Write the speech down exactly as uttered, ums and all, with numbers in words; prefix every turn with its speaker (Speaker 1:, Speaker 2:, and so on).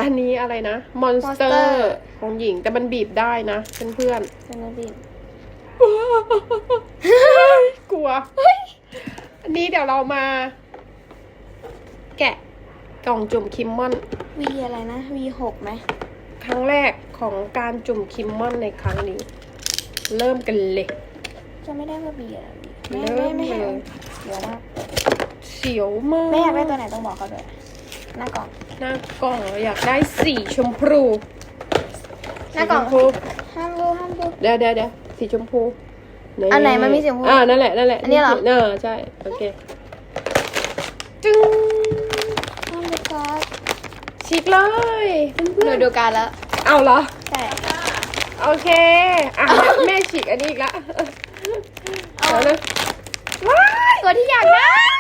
Speaker 1: อันนี้อะไรนะมอนสเตอ
Speaker 2: Monster
Speaker 1: ร์ของหญิงแต่มันบีบได้นะเพื่อน
Speaker 2: เป็นอะไรบีบ
Speaker 1: ๆ กลัว อันนี้เดี๋ยวเรามา แกะกล่องจุ่มคิมมอน
Speaker 2: วีอะไรนะวีหกไหม
Speaker 1: ครั้งแรกของการจุ่มคิมมอนในครั้งนี้ เริ่มกันเลย
Speaker 2: จะไม่ได้ว่าบีอะไรไม่
Speaker 1: เริ่
Speaker 2: ไม่
Speaker 1: ม
Speaker 2: ไม่
Speaker 1: เลย
Speaker 2: เดี๋ยวนะ
Speaker 1: เสียวมาก
Speaker 2: ไม่อยากได้ตัวไหนต้องบอกเขาด้วยหน้ากล่อง
Speaker 1: หน้ากล่องอยากได้สีชมพู
Speaker 2: หน้ากล่อง
Speaker 1: สีชมพู
Speaker 2: ห้ามดูห้ามดู
Speaker 1: เดี๋ยวเดี๋ยวเดี๋ยวสีชมพู
Speaker 2: อันไหนมันมีสีชมพู
Speaker 1: อ่านั่นแหละนั่นแหละ
Speaker 2: อันนี้เหรอ
Speaker 1: เออใช่โอเคจึง
Speaker 2: ห้ามดูการ์ด
Speaker 1: ฉีกเลยเพื่
Speaker 2: หนู
Speaker 1: อน
Speaker 2: ดูการ์ดแล้ว
Speaker 1: ๆเอาเหรอ
Speaker 2: ใช่
Speaker 1: โอเคอ่ะแม่ฉีกอันนี้อีกละ
Speaker 2: เอา
Speaker 1: เดี๋ยวนะว้าย
Speaker 2: ตัวที่อยากได้